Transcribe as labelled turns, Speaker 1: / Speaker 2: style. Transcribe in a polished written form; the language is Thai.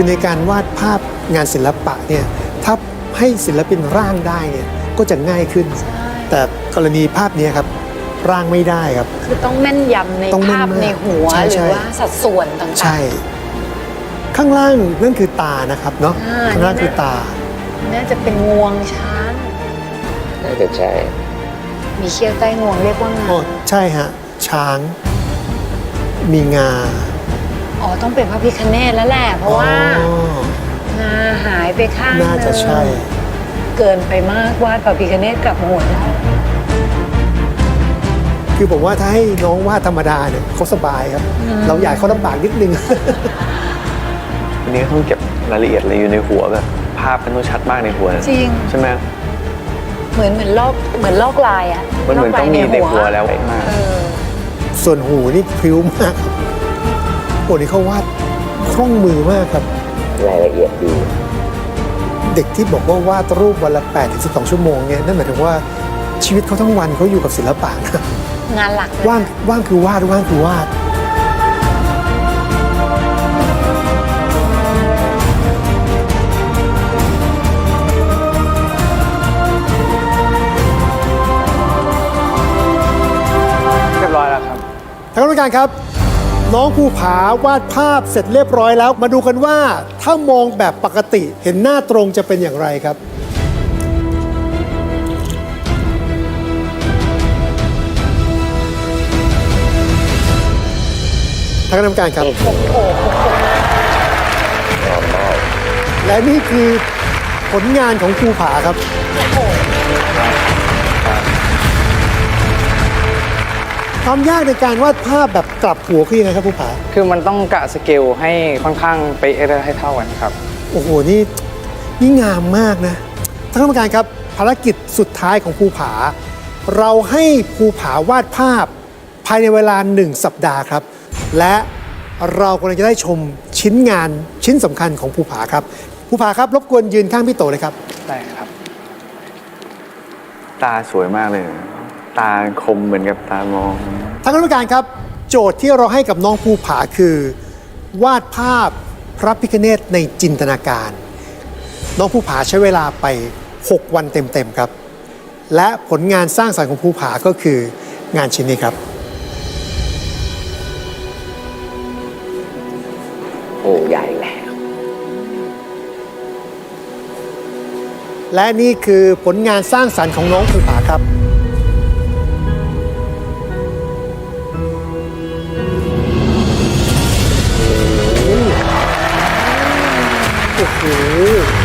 Speaker 1: ในการวาดภาพงานศิลปะเนี่ยถ้าให้ศิลปินร่างได้เนี่ยก็จะง่ายขึ้นแต่กรณีภาพนี้ครับร่างไม่ได้ครับ
Speaker 2: คือต้องแม่นยำในภาพในหัวหรือว่าสัดส่วนต่างๆ
Speaker 1: ใช่ข้างล่างนั่นคือตานะครับเนาะข้างล่างคือตา
Speaker 2: น่าจะเป็นงวงช้าง
Speaker 3: น่าจะใช่
Speaker 2: มีเขี้ยวใต้งวงเรียกว่างา
Speaker 1: ใช่ฮะช้างมีงา
Speaker 2: อ๋อต้องเป็นพระพิฆเนศแล้วแหละเพราะว่างาหายไปข้างนึง
Speaker 1: น่าจะใช่
Speaker 2: เกินไปมากวาดพระพิฆเนศกลับหัวแล้ว
Speaker 1: คือผมว่าถ้าให้น้องวาดธรรมดาเนี่ยเขาสบายครับเราอยากเขาลำบากนิดนึง
Speaker 3: อันนี้ต้องเก็บรายละเอียดอะไรอยู่ในหัวแบบภาพมันต้องชัดมากในหัว
Speaker 2: จริง
Speaker 3: ใช่ไหม
Speaker 2: เหมือนลอกลายอ่ะ
Speaker 3: มันเหมือนต้องมีในหัวแล้วมาก
Speaker 1: ส่วนหูนี่พริ้วมากโอ้นี่เขาวาดคล่องมือมากครับ
Speaker 3: รายละเอียดดี
Speaker 1: เด็กที่บอกว่าวาดรูปวันละ8-12 ชั่วโมงเนี่ยนั่นหมายถึงว่าชีวิตเขาทั้งวันเขาอยู่กับศิลปะนะ
Speaker 2: งานหลัก
Speaker 1: ว่างคือวาดว่างคือวาด
Speaker 3: เรียบร้อยแล้วครับ
Speaker 1: ท่านผู้การครับน้องภูผาวาดภาพเสร็จเรียบร้อยแล้วมาดูกันว่าถ้ามองแบบปกติเห็นหน้าตรงจะเป็นอย่างไรครับท่านคณะกรรมการครับและนี่คือผลงานของภูผาครับความยากในการวาดภาพแบบกลับหัวคือยังไงครับภูผา
Speaker 4: คือมันต้องกะสเกลให้ค่อนข้างไปให้เท่ากันครับ
Speaker 1: โอ้โหนี่งามมากนะท่านคณะกรรมการครับภารกิจสุดท้ายของภูผาเราให้ภูผาวาดภาพภายในเวลา1 สัปดาห์ครับและเรากำลังจะได้ชมชิ้นงานชิ้นสำคัญของภูผาครับภูผาครับรบกวนยืนข้างพี่โตเลยครับ
Speaker 4: ได้ครับ
Speaker 3: ตาสวยมากเลยตาคมเหมือนกับตามอง
Speaker 1: ท่านคณะกรรมการครับโจทย์ที่เราให้กับน้องภูผาคือ วาดภาพพระพิฆเนศในจินตนาการน้องภูผาใช้เวลาไป6 วันเต็มๆครับและผลงานสร้างสรรค์ของภูผาก็คืองานชิ้นนี้ครับ
Speaker 3: โอ้ใหญ่แล้ว
Speaker 1: และนี่คือผลงานสร้างสรรค์ของน้องภูผาครับโอ้โห